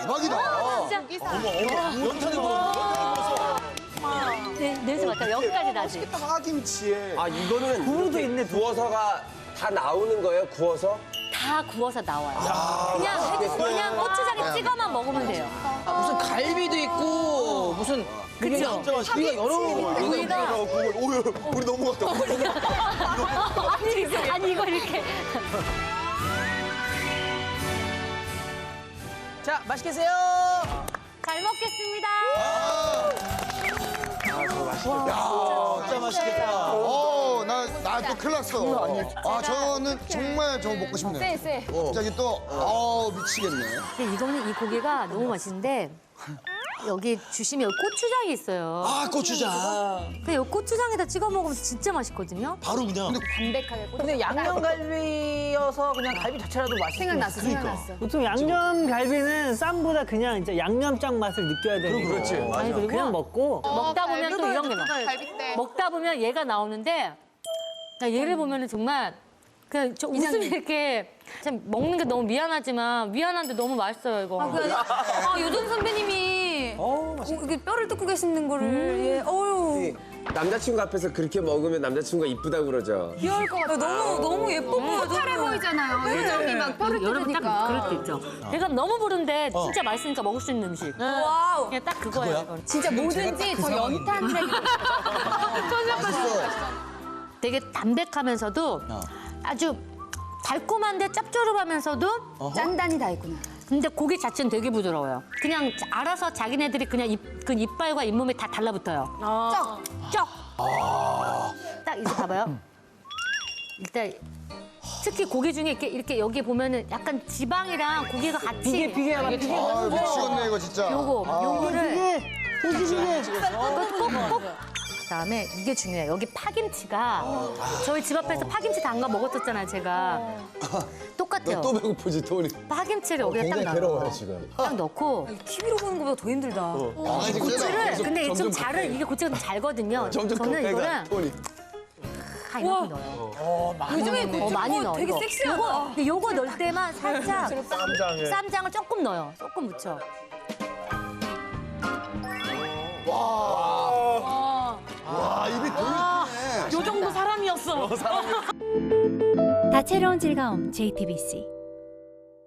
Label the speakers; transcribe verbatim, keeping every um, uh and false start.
Speaker 1: 대박이다.
Speaker 2: 진짜.
Speaker 3: 어머, 어머, 연탄에 구워서.
Speaker 2: 네, 냄새 맡아. 여기까지 나지.
Speaker 1: 파김치에.
Speaker 4: 아 이거는
Speaker 5: 구우도 있네.
Speaker 4: 구워서가 다 나오는 거예요? 구워서?
Speaker 2: 다 구워서 나와요. 그냥 그냥 고추장에 찍어만 먹으면 돼요.
Speaker 5: 아, 무슨 갈비도 있고 무슨
Speaker 2: 그죠?
Speaker 5: 우리가 여러
Speaker 2: 우리가
Speaker 1: 오유, 우리 넘어갔다.
Speaker 2: 아니 아니 이거 이렇게.
Speaker 5: 자 맛있게 드세요.
Speaker 2: 잘 먹겠습니다.
Speaker 4: 아 저거 맛있겠다.
Speaker 1: 야,
Speaker 3: 진짜 맛있겠다.
Speaker 1: 어, 나, 나 또 큰일 났어. 아, 저는 정말 저거 먹고 싶네.
Speaker 6: 쎄, 쎄.
Speaker 1: 갑자기 또, 어 미치겠네.
Speaker 2: 근데 이거는 이 고기가 너무 맛있는데 여기 주시면 여기 고추장이 있어요.
Speaker 3: 아, 고추장.
Speaker 2: 근데 여기 고추장에다 찍어 먹으면 진짜 맛있거든요.
Speaker 3: 바로 그냥.
Speaker 6: 담백하게 꽂아.
Speaker 5: 근데 양념갈비여서 그냥 갈비 자체라도 맛있어.
Speaker 6: 생각났어, 생각났어.
Speaker 7: 보통 양념 갈비는 쌈보다 그냥 이제 양념장 맛을 느껴야 되는 거.
Speaker 3: 그렇지, 맞아.
Speaker 2: 아니 그리고
Speaker 7: 그냥 먹고
Speaker 2: 먹다 보면 또 이런 게 나.
Speaker 6: 갈비때.
Speaker 2: 먹다 보면 얘가 나오는데 나 얘를 보면은 정말 그냥 저 웃음이 이렇게 참 먹는 게 너무 미안하지만 미안한데 너무 맛있어요 이거.
Speaker 6: 아, 요즘 선배님이 어, 이게 뼈를 뜯고 계시는 거를 예. 어유
Speaker 4: 남자친구 앞에서 그렇게 먹으면 남자친구가 이쁘다고 그러죠.
Speaker 6: 귀여울 것 같아. 너무 너무 예뻐 보여. 허탈해 보이잖아요. 요즘이 막 뼈를
Speaker 2: 여러분 딱
Speaker 6: 뜯으니까.
Speaker 2: 그럴 때 있죠. 배가 너무 부른데 진짜 맛있으니까 먹을 수 있는 음식.
Speaker 6: 와우.
Speaker 2: 그냥 딱 그거예요. 이건.
Speaker 6: 진짜 뭐든지 더 연탄색이.
Speaker 2: 되게 담백하면서도 아주 달콤한데 짭조름하면서도
Speaker 6: 짠단이 다 있구나.
Speaker 2: 근데 고기 자체는 되게 부드러워요. 그냥 알아서 자기네들이 그냥 입, 그 이빨과 잇몸에 다 달라붙어요. 쩍! 쩍! 딱 이제 봐봐요. 일단 특히 고기 중에 이렇게, 이렇게 여기 보면은 약간 지방이랑 고기가 같이
Speaker 7: 비계 비계야 비계.
Speaker 1: 아, 미치겠네, 이거 진짜.
Speaker 2: 요거,
Speaker 1: 아,
Speaker 2: 요거를
Speaker 7: 고기 비계.
Speaker 2: 꼭꼭 그다음에 이게 중요해요. 여기 파김치가 저희 집 앞에서 파김치 담가 먹었었잖아요, 제가. 똑같아요.
Speaker 3: 또 배고프지, 토니.
Speaker 2: 파김치를 여기에 딱
Speaker 3: 굉장히
Speaker 2: 넣어요.
Speaker 3: 괴로워요, 지금.
Speaker 2: 딱 넣고
Speaker 6: 티비로 보는 것보다 더 힘들다.
Speaker 1: 아, 지금 세다.
Speaker 2: 고추를 근데 좀
Speaker 3: 점점
Speaker 2: 잘은 이게 고추가 좀 잘거든요.
Speaker 3: 점점
Speaker 2: 저는
Speaker 3: 더
Speaker 2: 이거를
Speaker 3: 배가, 토니.
Speaker 2: 다 이만큼 넣어요.
Speaker 6: 요즘에
Speaker 2: 어, 많이 넣어.
Speaker 6: 되게
Speaker 2: 이거.
Speaker 6: 섹시하다.
Speaker 2: 요거, 근데 요거 넣을 때만 살짝
Speaker 3: 쌈장에.
Speaker 2: 쌈장을 조금 넣어요. 조금 묻혀.
Speaker 1: 와, 입이 돌리네.
Speaker 2: 요 정도 사람이었어.
Speaker 8: 다채로운 즐거움 제이티비씨